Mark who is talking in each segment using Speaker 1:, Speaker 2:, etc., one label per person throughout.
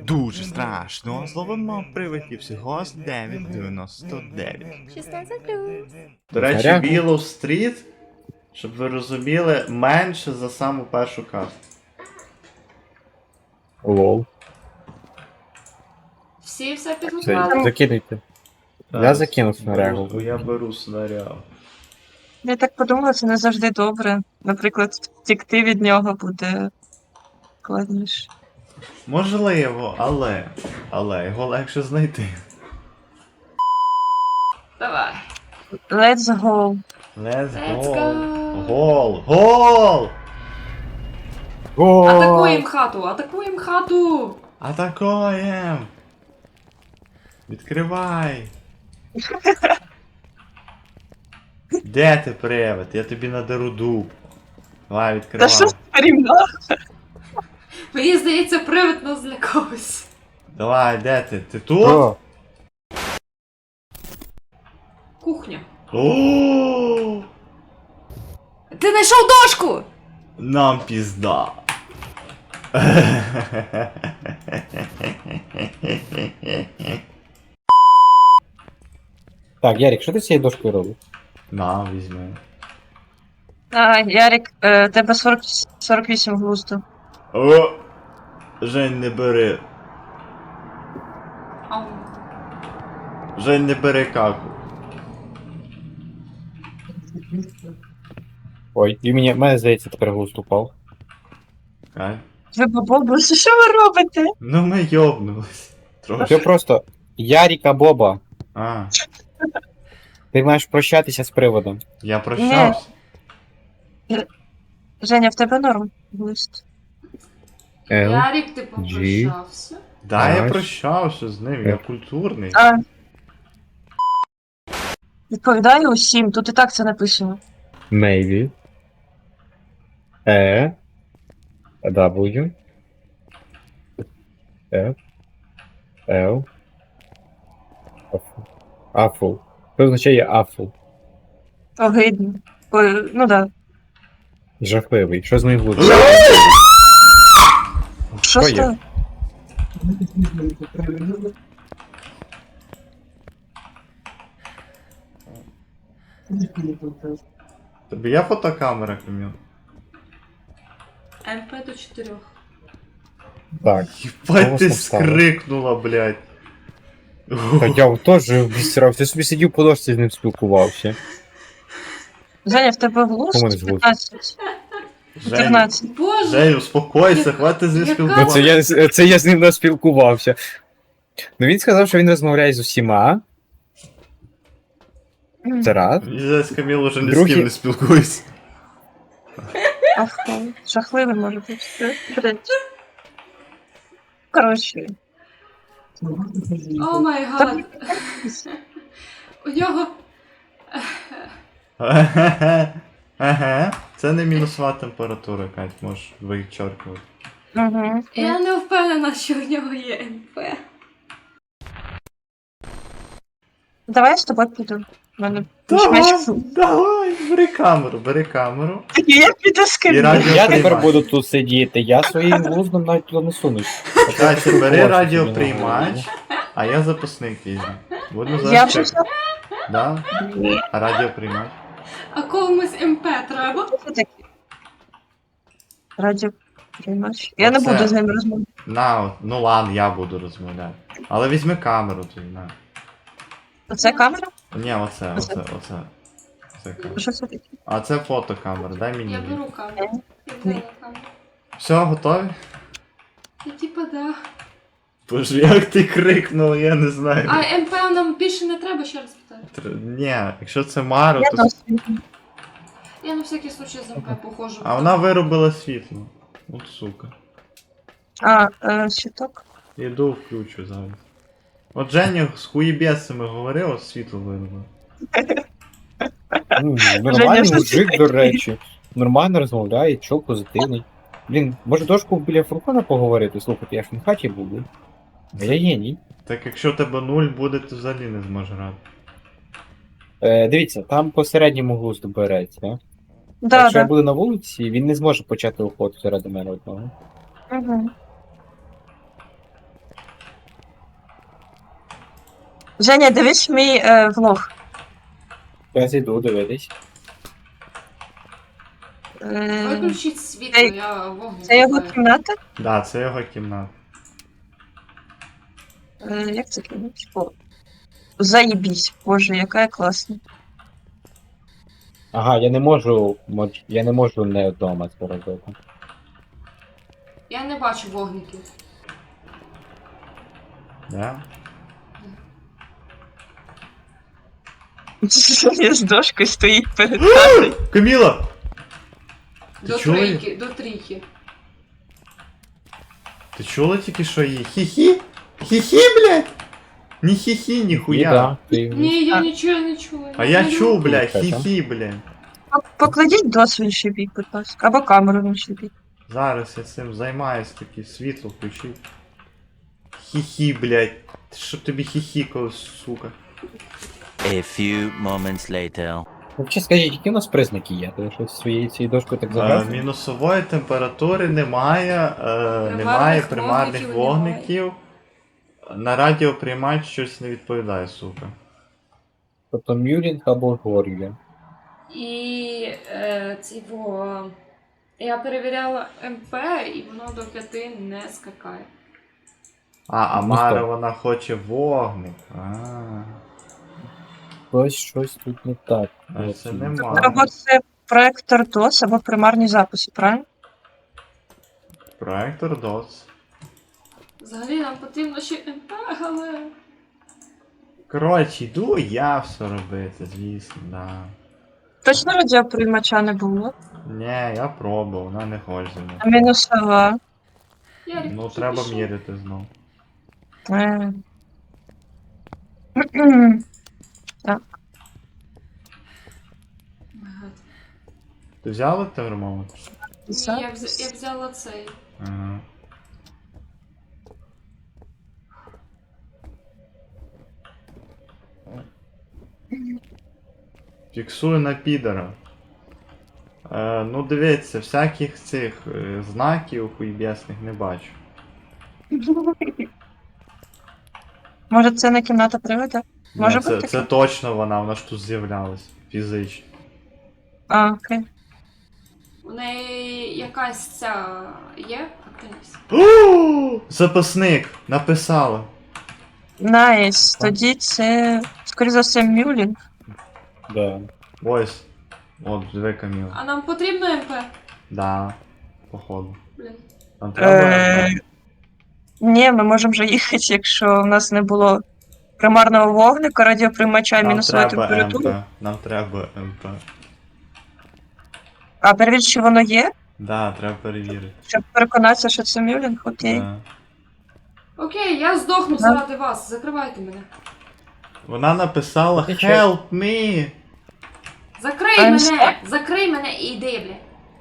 Speaker 1: Дуже страшно. Зловимо привидів всього з 9,99.
Speaker 2: 16+.
Speaker 1: До речі,
Speaker 3: Заряку.
Speaker 1: Willow Street, щоб ви розуміли, менше за саму першу карту.
Speaker 3: Лол.
Speaker 2: Всі все
Speaker 3: Це,
Speaker 2: підготували?
Speaker 3: закидайте. Я закинув снарягу.
Speaker 1: Я беру снарягу.
Speaker 4: Я так подумала, це не завжди добре. Наприклад, втікти від нього буде складніше.
Speaker 1: Можливо, але його легше знайти.
Speaker 2: Давай.
Speaker 4: Let's go.
Speaker 1: Let's
Speaker 2: Let's
Speaker 1: go.
Speaker 2: go.
Speaker 1: Гол! Гол!
Speaker 2: Атакуємо хату, атакуємо хату!
Speaker 1: Атакуєм! Відкривай! Де ти, привид? Я тобі надеру дуб. Давай,
Speaker 4: Та
Speaker 1: відкривай.
Speaker 4: що з рівна?
Speaker 2: Мені здається, привид нас злякався.
Speaker 1: Давай, де ти? Ти тут?
Speaker 3: О,
Speaker 2: Кухня.
Speaker 1: О!
Speaker 2: Ти знайшов дошку!
Speaker 1: Нам пізда.
Speaker 3: так, Ярик, що ти з цією дошкою робиш?
Speaker 1: На, візьми.
Speaker 4: Ярик, тебе 48 глузду.
Speaker 1: О! Жень, не бери.
Speaker 2: Ау.
Speaker 1: Жень, не бери каку.
Speaker 3: Ой, і мене здається, тепер глузд упав.
Speaker 1: Кай.
Speaker 4: Ви бабусі, що ви робите?
Speaker 1: Ну ми йобнулись.
Speaker 3: Це
Speaker 1: Трошки.
Speaker 3: просто Яріка Боба.
Speaker 1: А,
Speaker 3: Ти маєш прощатися з приводом.
Speaker 1: я прощався.
Speaker 4: Женя, в тебе норм глузд.
Speaker 2: Ярик, ти попрощався?
Speaker 1: Да, я
Speaker 3: Аж.
Speaker 1: прощався з ним, я культурний.
Speaker 4: А, відповідаю усім, тут і так це написано.
Speaker 3: Maybe. W. F. L. Афул. Що означає афул?
Speaker 4: Огидно. Ой, ну да.
Speaker 3: Жахливий. Що з моїм глуздом?
Speaker 4: Що
Speaker 3: Що є?
Speaker 4: стало?
Speaker 1: Тобі є фотокамера, Каміл?
Speaker 2: МП до 4.
Speaker 3: Так.
Speaker 1: Єбать, ти
Speaker 3: Голосно встала.
Speaker 1: скрикнула, блядь.
Speaker 3: Та я теж обісрався. Я собі сидів по дошці з ним спілкувався.
Speaker 4: Женя, в тебе
Speaker 3: Кому не
Speaker 4: глузд
Speaker 3: звук?
Speaker 4: 15.
Speaker 1: Жень,
Speaker 4: 14.
Speaker 2: Боже!
Speaker 1: Жень, успокойся, хватить зі
Speaker 2: Яка
Speaker 3: Ну,
Speaker 1: спілкуватися.
Speaker 3: це я з ним не спілкувався. Ну він сказав, що він розмовляє з усіма. Це раз.
Speaker 1: Я з Каміл уже ні з
Speaker 3: Другий-
Speaker 1: ким не спілкуюсь.
Speaker 4: Ах, жахливий може бути. Коротше.
Speaker 2: О май гад! У нього...
Speaker 1: Ага. Це не мінусова температура, Кать, можеш вичеркувати.
Speaker 4: Угу.
Speaker 2: Я не впевнена, що в нього є МП.
Speaker 4: Давай я з тобою піду. У мене
Speaker 1: Давай, бери камеру.
Speaker 4: Я піду з
Speaker 1: І
Speaker 4: ким.
Speaker 1: радіо
Speaker 3: Я тепер
Speaker 1: приймач.
Speaker 3: буду тут сидіти, я своїм глуздом навіть туди не сунусь.
Speaker 1: Катя, бери радіоприймач, а я запасник візьму. Буду
Speaker 4: Я
Speaker 1: зараз
Speaker 4: вже
Speaker 1: чекати. Да? А радіоприймач?
Speaker 2: А комусь МП треба?
Speaker 4: все таки. Радіо приймач. Я не
Speaker 1: Оце.
Speaker 4: буду з ним розмовляти.
Speaker 1: На, от, ну ладно, я буду розмовляти. Але візьми камеру тоді, на.
Speaker 4: Оце камера?
Speaker 1: Ні, оце. Це камера.
Speaker 4: Що це таке?
Speaker 1: А це фотокамера, дай мені.
Speaker 2: Я
Speaker 1: її.
Speaker 2: беру камеру. Я взяла камеру.
Speaker 1: Все, готові?
Speaker 2: Я типа да.
Speaker 1: Боже, як ти крикнув, я не знаю.
Speaker 2: А МП нам більше не треба, ще раз питаю.
Speaker 1: Ні, якщо це Маро,
Speaker 4: Я
Speaker 1: то.
Speaker 4: досвід.
Speaker 2: Я на всякий случай з МП похожу.
Speaker 1: А вона виробила світло. От сука.
Speaker 4: Щиток.
Speaker 1: Іду включу зараз. От Женя з хуєбєсами говорив, от світло виробило.
Speaker 3: Нормальний
Speaker 4: Женя,
Speaker 3: мужик, до речі. Нормально розмовляє, чо позитивний. Блін, може дошку біля фургона поговорити? Слухайте, я ж не в хаті був, блін. А я геній.
Speaker 1: Так якщо у тебе 0 буде, то взагалі не зможеш грати.
Speaker 3: Дивіться, там по середньому глузду береться.
Speaker 4: Да,
Speaker 3: Якщо я
Speaker 4: да.
Speaker 3: буду на вулиці, він не зможе почати охоту заради мене одного.
Speaker 4: Угу. Женя, дивись мій влог.
Speaker 3: Я зайду дивитись.
Speaker 2: Виключіть світло,
Speaker 4: Це-
Speaker 2: я вогник.
Speaker 4: Це його
Speaker 2: шукаю.
Speaker 4: кімната?
Speaker 1: Да, це його кімната.
Speaker 4: Як це кімната? О, заєбісь, боже, яка я класна.
Speaker 3: Ага, я не можу не вдома це робити.
Speaker 2: Я не бачу вогників.
Speaker 1: Да?
Speaker 4: Женя з дошкою стоїть перед хатою.
Speaker 1: Каміла! Ти
Speaker 2: До
Speaker 1: чула?
Speaker 2: трійки, до трійки.
Speaker 1: Ти чула тільки що її? Хі-хі? Хі-хі, блядь? Ні хі-хі, ні хуя.
Speaker 3: Да, ти...
Speaker 2: Ні, я нічого не чула.
Speaker 1: А я чув, блядь,
Speaker 3: Слухай,
Speaker 1: хі-хі, блядь.
Speaker 4: Покладіть дос в інший бік, будь ласка. Або камеру в інший бік.
Speaker 1: Зараз я цим займаюсь, таке світло включив. Хі-хі, блядь. Щоб тобі хіхікалось, сука.
Speaker 5: A few moments later.
Speaker 3: Взагалі скажіть, які у нас признаки є? Ти що своєю цією дошкою так забрав?
Speaker 1: Мінусової температури немає, немає примарних
Speaker 2: вогників
Speaker 1: вогників. На радіоприймач щось не відповідає, сука.
Speaker 3: Тобто мюлінг або гор'я.
Speaker 2: І я перевіряла МП, і воно до 5 не скакає.
Speaker 1: А
Speaker 3: Ну,
Speaker 1: Мара,
Speaker 3: стоп.
Speaker 1: вона хоче вогник.
Speaker 3: Щось тут не так.
Speaker 1: А це
Speaker 3: Ось.
Speaker 1: нема.
Speaker 4: Або це проектор DOS, або примарні записи, правильно?
Speaker 1: Проектор DOS.
Speaker 2: Взагалі нам потрібно ще МП, але.
Speaker 1: Коротше, йду я все робити, звісно, да.
Speaker 4: Точно радіоприймача не було.
Speaker 1: Ні, я пробував, вона не хоче зі мною.
Speaker 4: А мінусова.
Speaker 2: Ярик,
Speaker 1: Ну,
Speaker 2: ти
Speaker 1: треба
Speaker 2: пішов?
Speaker 1: міряти знов.
Speaker 4: Е.
Speaker 2: Ага.
Speaker 1: Ти взяла термометр?
Speaker 2: Ні, я взяла цей.
Speaker 1: Ага. Фіксую на підера. Ну дивіться, всяких цих знаків хуйбесних не бачу.
Speaker 4: Може це не кімната привода? Може
Speaker 1: Ні, це,
Speaker 4: бути
Speaker 1: це
Speaker 4: таке?
Speaker 1: точно вона ж тут з'являлась. Фізично.
Speaker 4: А, окей.
Speaker 2: У неї якась ця є активність.
Speaker 1: О, запасник! Написала.
Speaker 4: Найс. Тоді це, скоріше за все, мюлінг.
Speaker 3: Да.
Speaker 1: Ось. От, диви Каміла.
Speaker 2: А нам потрібно МП?
Speaker 1: Да. Походу.
Speaker 2: Блін.
Speaker 1: Нам треба.
Speaker 4: Ні, ми можемо вже їхати, якщо в нас не було примарного вогника, радіоприймача,
Speaker 1: Нам
Speaker 4: мінусової
Speaker 1: треба
Speaker 4: температури.
Speaker 1: МП. Нам треба МП.
Speaker 4: А перевірити, чи воно є,
Speaker 1: Да, треба перевірити.
Speaker 4: щоб переконатися, що це мюлінг, окей.
Speaker 1: Да.
Speaker 2: Окей, я здохну заради вас. Закривайте мене.
Speaker 1: Вона написала
Speaker 3: Ти чо?
Speaker 1: Help me!
Speaker 2: Закрий
Speaker 4: I'm
Speaker 2: мене! Закрий мене і йди, бля.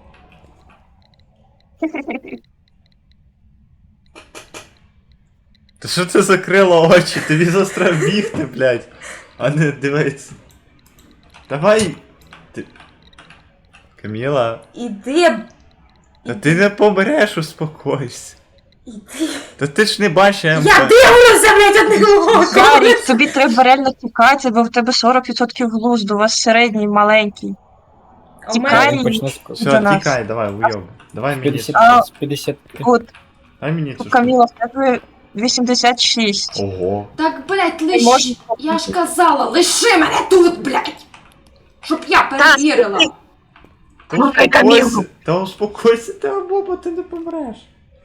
Speaker 1: Та що ти закрила очі? Тобі застрав бігти, блядь. А не дивись. Давай. Ти... Каміла,
Speaker 2: Іди.
Speaker 1: та ти не помреш, успокойся.
Speaker 2: Іди.
Speaker 1: Та ти ж не бачиш МП.
Speaker 2: Я дивлюся, блядь, одним оком!
Speaker 4: Ярик, тобі треба реально тікати, бо в тебе 40% глузду, у вас середній, маленький.
Speaker 2: А в
Speaker 4: Тікай.
Speaker 2: мене...
Speaker 3: Він почне з
Speaker 4: До
Speaker 1: Все,
Speaker 4: нас.
Speaker 1: тікай, давай, уйоб. Давай мені.
Speaker 3: 50,
Speaker 4: А,
Speaker 3: з 50.
Speaker 4: От,
Speaker 1: Дай мені
Speaker 4: у
Speaker 1: цю штуку.
Speaker 4: Каміла, в тебе 86.
Speaker 1: Ого.
Speaker 2: Так, блядь,
Speaker 4: Ти
Speaker 2: лиш...
Speaker 4: можеш
Speaker 2: Я ж казала, лиши мене тут, блядь! Щоб я перевірила.
Speaker 1: Та
Speaker 4: Слухай,
Speaker 1: успокойся,
Speaker 4: Камілу.
Speaker 1: та успокойся, ти бо ти не помреш.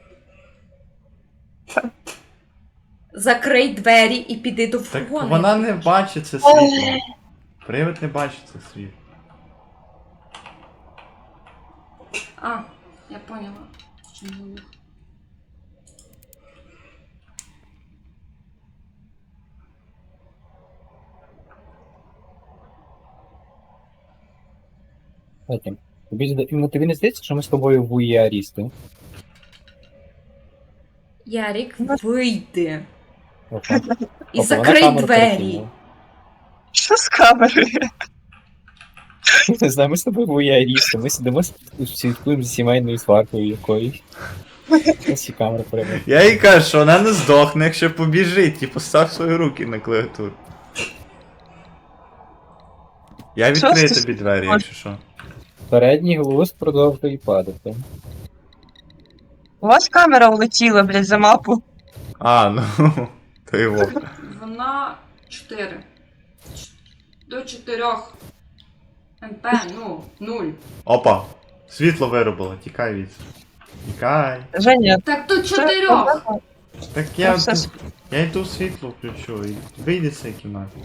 Speaker 2: Закрий двері і піди до
Speaker 1: Так
Speaker 2: фургону.
Speaker 1: вона не бачить це світло. Привид не бачить це світло.
Speaker 2: А, я поняла. Чим звук.
Speaker 3: Потім. Тобі не здається, що ми з тобою вуєарісти?
Speaker 2: Ярік, вийди.
Speaker 3: Опа.
Speaker 2: І
Speaker 3: Опа, вона
Speaker 2: закрий
Speaker 3: камеру
Speaker 2: двері.
Speaker 3: перекинула.
Speaker 4: Що з камерою?
Speaker 3: Не знаю, ми з тобою вуєарісти, ми сидимо, слідкуємо за сімейною сваркою якоюсь. Ось і камера переводить.
Speaker 1: Я їй кажу, що вона не здохне, якщо побіжить, і постав свої руки на клавіатуру. Я
Speaker 4: Що
Speaker 1: відкрию
Speaker 4: ти
Speaker 1: тобі двері, якщо що.
Speaker 3: Передній глузд продовжує падати.
Speaker 4: У вас камера улетіла, блядь, за мапу.
Speaker 1: А, ну, то його.
Speaker 2: Вона 4. До 4. МП, ну, 0.
Speaker 1: Опа, світло виробило, тікай від. Тікай.
Speaker 4: Женя,
Speaker 2: Так тут
Speaker 4: це
Speaker 2: 4.
Speaker 4: проблема.
Speaker 1: Так
Speaker 4: Ну,
Speaker 1: я,
Speaker 4: все.
Speaker 1: я йду світло включу і вийди з цієї кімнати.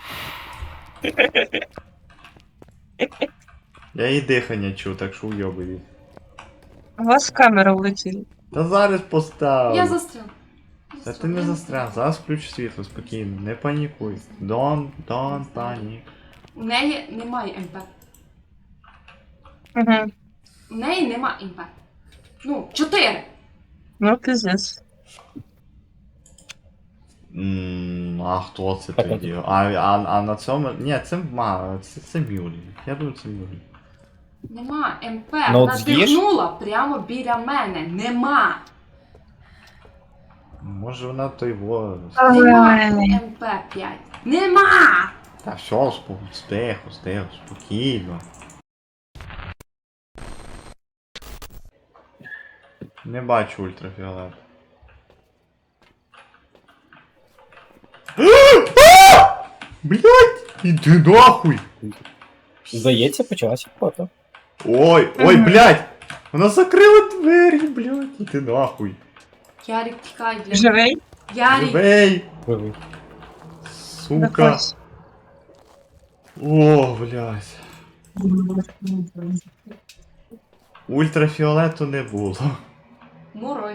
Speaker 1: Я її дихання чую, так що уйобуй.
Speaker 4: У вас камера улетіла.
Speaker 1: Та зараз поставлю.
Speaker 2: Я застрял.
Speaker 1: Та ти не застряг, зараз включу світло, спокійно, не панікуй. Don't panic.
Speaker 2: У неї немає МП.
Speaker 4: Угу.
Speaker 2: У неї нема МП. Ну, 4.
Speaker 4: Ну, пиздец.
Speaker 1: А хто це
Speaker 3: Так,
Speaker 1: тоді? А на цьому. Ні, це Мюлі. Я думаю, це Мюлі.
Speaker 2: Нема МП.
Speaker 3: Ну,
Speaker 2: Вона
Speaker 3: от з'їж?
Speaker 2: дихнула прямо біля мене. Нема.
Speaker 1: Може вона той во.
Speaker 2: Нема
Speaker 4: Ой.
Speaker 2: МП 5. Нема!
Speaker 1: Та все, стихо, спокійно. Не бачу ультрафіолет. Блять! Іди нахуй!
Speaker 3: Здається, почалася фото.
Speaker 1: Ой, блять! Вона закрила двері, блять! Іди нахуй!
Speaker 2: Ярик, тікай, блядь.
Speaker 4: Живий?
Speaker 2: Ярик.
Speaker 1: Живей!
Speaker 3: Живий.
Speaker 1: Сука!
Speaker 4: Виходь.
Speaker 1: О, блять! Ультрафіолету не було.
Speaker 2: Мурой.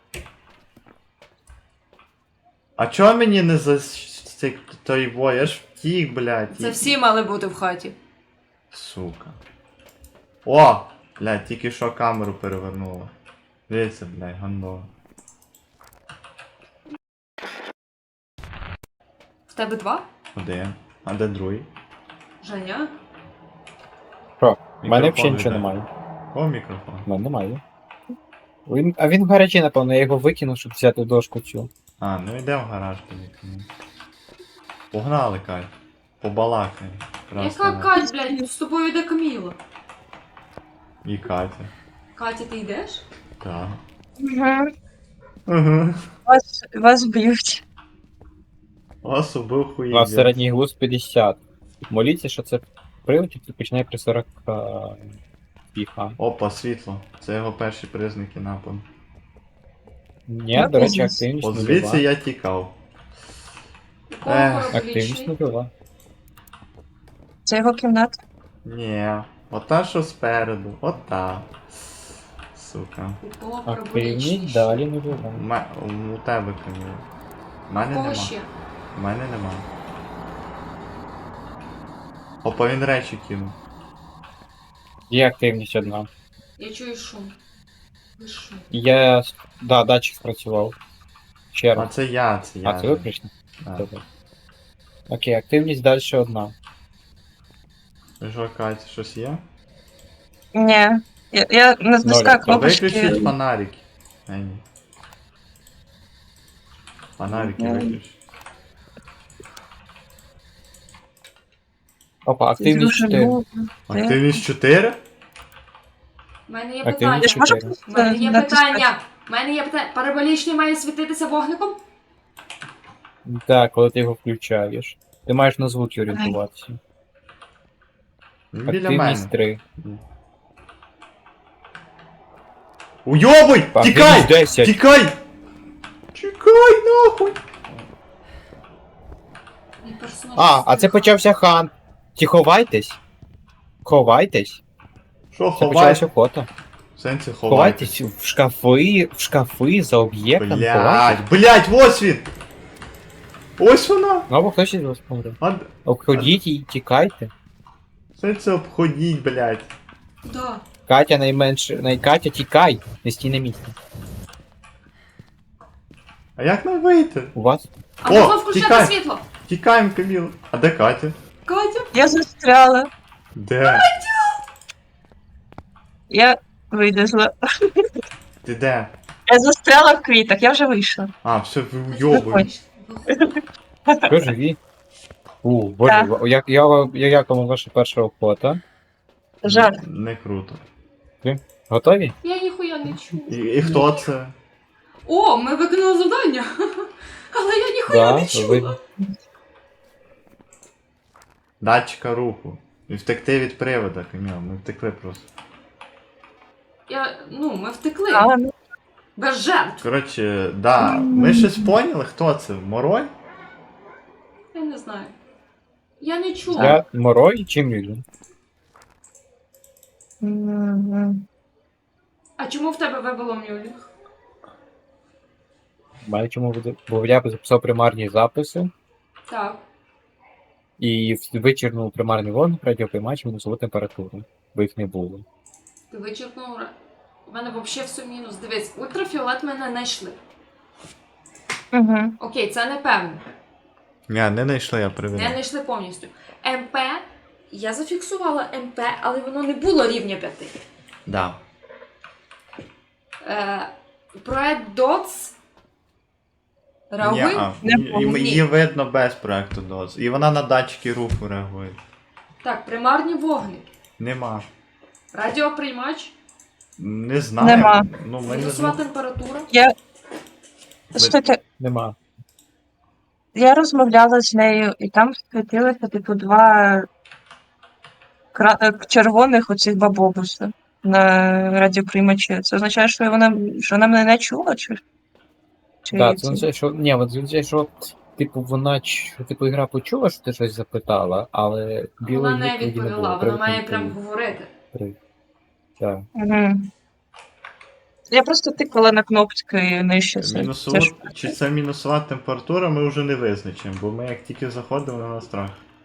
Speaker 1: А чого мені не за той во? Я ж втік, блядь.
Speaker 2: Це всі мали бути в хаті.
Speaker 1: Сука. О! Блядь, тільки що камеру перевернула. Дивіться, блядь, гандо.
Speaker 2: В тебе 2?
Speaker 1: Один. А де другий?
Speaker 2: Женя?
Speaker 3: Що? У мене
Speaker 1: Мікрофон
Speaker 3: взагалі нічого
Speaker 1: йде.
Speaker 3: немає.
Speaker 1: О, мікрофон.
Speaker 3: У мене немає. А він в гаражі, напевно, я його викинув, щоб взяти дошку цю.
Speaker 1: А, ну йдемо в гараж тоді. Погнали, Кать. Побалакаємо.
Speaker 2: Яка Кать, блядь? З тобою йде Каміла.
Speaker 1: І Катя.
Speaker 2: Катя, ти йдеш?
Speaker 1: Так.
Speaker 4: Угу.
Speaker 1: Угу.
Speaker 4: Вас б'ють.
Speaker 1: Вас убив хуї.
Speaker 3: У нас середній глузд 50. Моліться, що це привод, який починає при 40 піха.
Speaker 1: Опа, світло. Це його перші признаки нападу.
Speaker 3: Ні, до речі, активність
Speaker 1: От
Speaker 3: нульова.
Speaker 1: звідси я тікав.
Speaker 2: Якого
Speaker 3: Активність
Speaker 2: роболічний?
Speaker 3: нульова.
Speaker 4: Це його кімната.
Speaker 1: Ні. Ота, що спереду. Ота. Сука.
Speaker 2: Якого
Speaker 3: Активність
Speaker 2: проболічний?
Speaker 3: далі нульова.
Speaker 1: У тебе Каміла. У мене
Speaker 2: Кого
Speaker 1: нема.
Speaker 2: ще?
Speaker 1: У мене нема. Опа, він речі кинув.
Speaker 3: Є активність одна.
Speaker 2: Я чую шум. Ви що?
Speaker 3: Я. Да, датчик спрацював. Ще
Speaker 1: А
Speaker 3: раз.
Speaker 1: це я.
Speaker 3: А, це виключно?
Speaker 1: Да.
Speaker 3: Добре. Окей, активність далі одна.
Speaker 1: Що, Катя, щось є?
Speaker 4: Ні. Я не знайшла
Speaker 3: Ноль.
Speaker 1: То
Speaker 4: кнопочки.
Speaker 1: виключіть фонарики. Ні. Фонарики
Speaker 4: Окей.
Speaker 1: виключіть.
Speaker 3: Опа, активність
Speaker 4: Дуже
Speaker 3: 4.
Speaker 4: довго.
Speaker 1: Активність 4?
Speaker 2: У мене є
Speaker 3: Активність
Speaker 2: питання.
Speaker 4: Я ж можу
Speaker 3: 4.
Speaker 2: У мене є
Speaker 4: натискати?
Speaker 2: питання. У мене є питання. Параболічний має світитися вогником?
Speaker 3: Так, коли ти його включаєш. Ти маєш на звуки орієнтуватися.
Speaker 1: Він біля мене.
Speaker 3: Активність 3.
Speaker 1: Уйобуй!
Speaker 3: Активність
Speaker 1: Тікай!
Speaker 3: 10.
Speaker 1: Тікай! Тікай нахуй!
Speaker 2: Мій персонаж
Speaker 3: А це почався хан. Ті ховайтесь. Ховайтесь.
Speaker 1: Що
Speaker 3: Це
Speaker 1: ховай?
Speaker 3: почалося фото.
Speaker 1: В сенсі ховай.
Speaker 3: Ховайтесь в шкафи за об'єктом. Ховайтесь.
Speaker 1: Блять, ось він! Ось вона!
Speaker 3: Ну або хтось із вас помре.
Speaker 1: А,
Speaker 3: Обходіть і тікайте.
Speaker 1: сенсі обходіть, блять.
Speaker 2: Да.
Speaker 3: Катя найменше. Катя, тікай! Не стій на місці.
Speaker 1: А як нам вийти?
Speaker 3: У вас?
Speaker 2: А
Speaker 1: О,
Speaker 2: можна включати
Speaker 1: тікай.
Speaker 2: світло?
Speaker 1: Тікаємо, Каміла. А де Катя?
Speaker 2: Катя?
Speaker 4: Я застряла.
Speaker 1: Де?
Speaker 4: Я вилізла.
Speaker 1: Ти де?
Speaker 4: Я застряла в квітах, я вже вийшла.
Speaker 1: А, все, ви уйобуєш.
Speaker 3: Ви живі? Боже, як вам ваша перша охота?
Speaker 4: Жаль.
Speaker 1: Не круто.
Speaker 3: Готові?
Speaker 2: Я ніхуя не чую.
Speaker 1: І хто це?
Speaker 2: О, ми виконали завдання. Але я ніхуя не чула.
Speaker 3: ви...
Speaker 1: Датчика руху. І втекти від привода, Каміла. Ми втекли просто.
Speaker 2: Ми втекли.
Speaker 4: А, ну,
Speaker 2: Без жертв.
Speaker 1: Коротше, да. Ми щось поняли, хто це? Морой?
Speaker 2: Я не знаю. Я не чула.
Speaker 3: Я Морой чи Мюлін?
Speaker 2: А чому в тебе вибило мюлінг?
Speaker 3: Мене чому буде? Бо я записав примарні записи
Speaker 2: Так.
Speaker 3: і вичерпнув примарний вогник, радіоприймач, мінусову температуру. Бо їх не було.
Speaker 2: Ти вичерпнув. У мене взагалі все мінус. Дивись, ультрафіолет мене не знайшли.
Speaker 4: Угу.
Speaker 2: Окей, це не певно.
Speaker 1: Ні, не знайшли, я
Speaker 2: Не
Speaker 1: перевіряв.
Speaker 2: знайшли повністю. МП. Я зафіксувала МП, але воно не було рівня 5.
Speaker 1: Да.
Speaker 2: Проект DOTS. Реагує?
Speaker 1: Ні-а. Її видно без проекту DOTS. І вона на датчики руху реагує.
Speaker 2: Так, примарні вогники.
Speaker 1: Нема.
Speaker 2: Радіоприймач.
Speaker 1: Не знаю.
Speaker 4: Нема.
Speaker 1: Ну, ми не
Speaker 2: Мінусова
Speaker 1: знаємо.
Speaker 2: температура.
Speaker 4: Слухайте,
Speaker 3: Нема.
Speaker 4: я розмовляла з нею, і там світилися, типу, два червоних оцих бабобуса на радіоприймачі. Це означає, що вона мене не чула, чи?
Speaker 3: Так, це означає, що. Ні, от означає, що. Типу, типу, ігра почула, що ти щось запитала, але білої
Speaker 2: Вона не
Speaker 3: відповіді не
Speaker 2: відповіла,
Speaker 3: було.
Speaker 2: вона має
Speaker 3: Привід не
Speaker 2: прям говорити.
Speaker 3: відповів. Так.
Speaker 4: Угу. Я просто тикала на кнопки нижче.
Speaker 1: Мінусову... Чи це мінусова температура, ми вже не визначимо, бо ми як тільки заходимо на страх.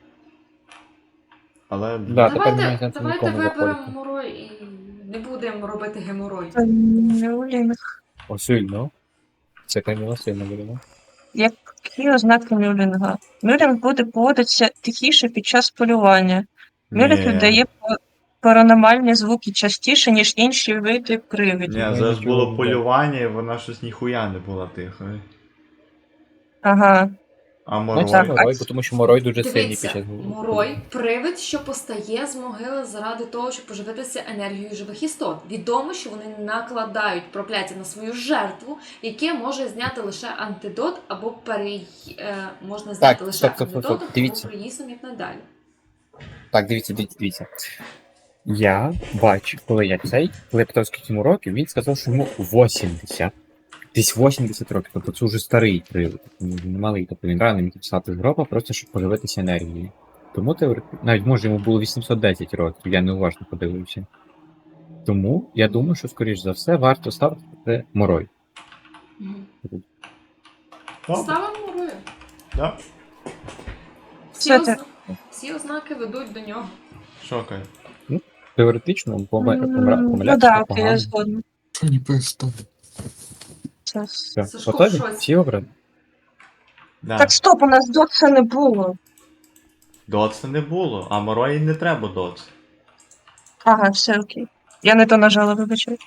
Speaker 1: Але...
Speaker 3: Да, тепер немає
Speaker 2: Давайте,
Speaker 3: сенсу
Speaker 2: давайте
Speaker 3: нікому
Speaker 2: виберемо
Speaker 3: заходити.
Speaker 2: геморой і не будемо робити геморой.
Speaker 4: Мюлінг.
Speaker 3: О, сильно. Це Каміла сильно буде.
Speaker 4: Які ознаки мюлінга? Мюлінг буде поводитися тихіше під час полювання. Мюлінг
Speaker 1: Ні.
Speaker 4: видає паранормальні звуки частіше, ніж інші види
Speaker 1: Ні,
Speaker 4: привидів.
Speaker 1: зараз
Speaker 3: нічого
Speaker 1: було
Speaker 3: не
Speaker 1: полювання, і вона щось ніхуя не була тихою.
Speaker 4: Ага.
Speaker 1: А
Speaker 3: Ну, це
Speaker 1: Морой?
Speaker 3: Морой, тому що Морой дуже сильний під
Speaker 2: Дивіться,
Speaker 3: час.
Speaker 2: Морой – привид, що постає з могили заради того, щоб поживитися енергією живих істот. Відомо, що вони накладають прокляття на свою жертву, яке може зняти лише антидот або можна зняти лише
Speaker 3: стоп,
Speaker 2: антидотом або
Speaker 3: дивіться.
Speaker 2: приїсом, як надалі.
Speaker 3: Так, дивіться. Я бачу, коли я питав, скільки йому років, він сказав, що йому 80. Десь 80 років, тобто це вже старий привид, не малий, тобто він рано міг писати з гроба, просто щоб поживитися енергією. Тому навіть може йому було 810 років, я неуважно подивився. Тому я думаю, що скоріш за все варто ставити це Морой.
Speaker 1: Добре.
Speaker 2: Ставимо Морою.
Speaker 1: Да.
Speaker 2: Всі,
Speaker 4: Це
Speaker 2: всі ознаки ведуть до нього.
Speaker 1: Що, Кай?
Speaker 3: Теоретично
Speaker 4: Ну
Speaker 3: помилятися
Speaker 4: да, окей, я
Speaker 3: погано.
Speaker 4: згодна.
Speaker 6: Что не просто?
Speaker 4: Це-
Speaker 3: Все,
Speaker 2: Сашко,
Speaker 3: готові?
Speaker 2: в шоці.
Speaker 3: Всі обрані?
Speaker 1: Да.
Speaker 4: Так, стоп, у нас дотса не було.
Speaker 1: Дотса не було, а Морої не треба дотс.
Speaker 4: Ага, все окей. Я не то нажала, вибачаю.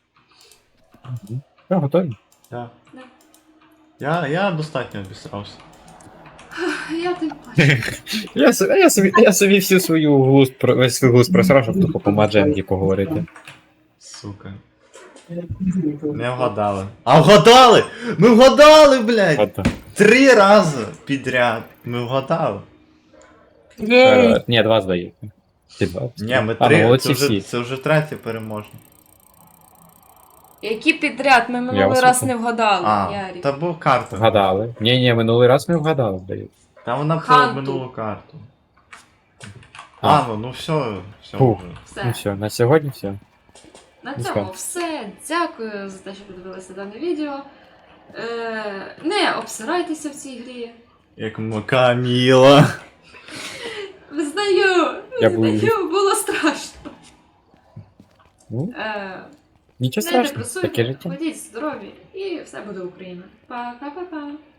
Speaker 3: Все, готові?
Speaker 1: Да.
Speaker 2: Да.
Speaker 1: Я достатньо обісрався.
Speaker 2: Я тим плачу.
Speaker 3: Я собі всю весь свій глузд просрав, щоб тупо по Мадженді поговорити.
Speaker 1: Сука. Не вгадали. А вгадали! Ми вгадали, блядь!
Speaker 3: Ото.
Speaker 1: 3 рази підряд. Ми вгадали.
Speaker 4: Єй!
Speaker 3: Ні, 2 здається. Чи 2?
Speaker 1: Ні, ми
Speaker 3: А,
Speaker 1: 3,
Speaker 3: ну, молодці
Speaker 1: це
Speaker 3: всі.
Speaker 1: вже третє переможне.
Speaker 2: Які підряд? Ми минулий
Speaker 3: вас
Speaker 2: раз
Speaker 3: слухаю.
Speaker 2: не вгадали,
Speaker 1: А,
Speaker 2: Ярік.
Speaker 1: та був карта.
Speaker 3: Вгадали. Ні, минулий раз ми вгадали, здається.
Speaker 1: Та вона про
Speaker 2: Ханту.
Speaker 1: минулу карту.
Speaker 3: А.
Speaker 1: Ну все
Speaker 3: Фух.
Speaker 1: вже.
Speaker 2: Все.
Speaker 3: Ну все, на сьогодні все.
Speaker 2: На
Speaker 3: Ну,
Speaker 2: цьому
Speaker 3: що?
Speaker 2: все. Дякую за те, що подивилися дане відео. Не обсирайтеся в цій грі.
Speaker 1: Як Каміла.
Speaker 2: Визнаю,
Speaker 3: Я був-
Speaker 2: було страшно.
Speaker 3: Ну,
Speaker 2: Не
Speaker 3: нічого страшного,
Speaker 2: депресуйте,
Speaker 3: таке життя.
Speaker 2: ходіть здорові і все буде Україна. Пока-пока.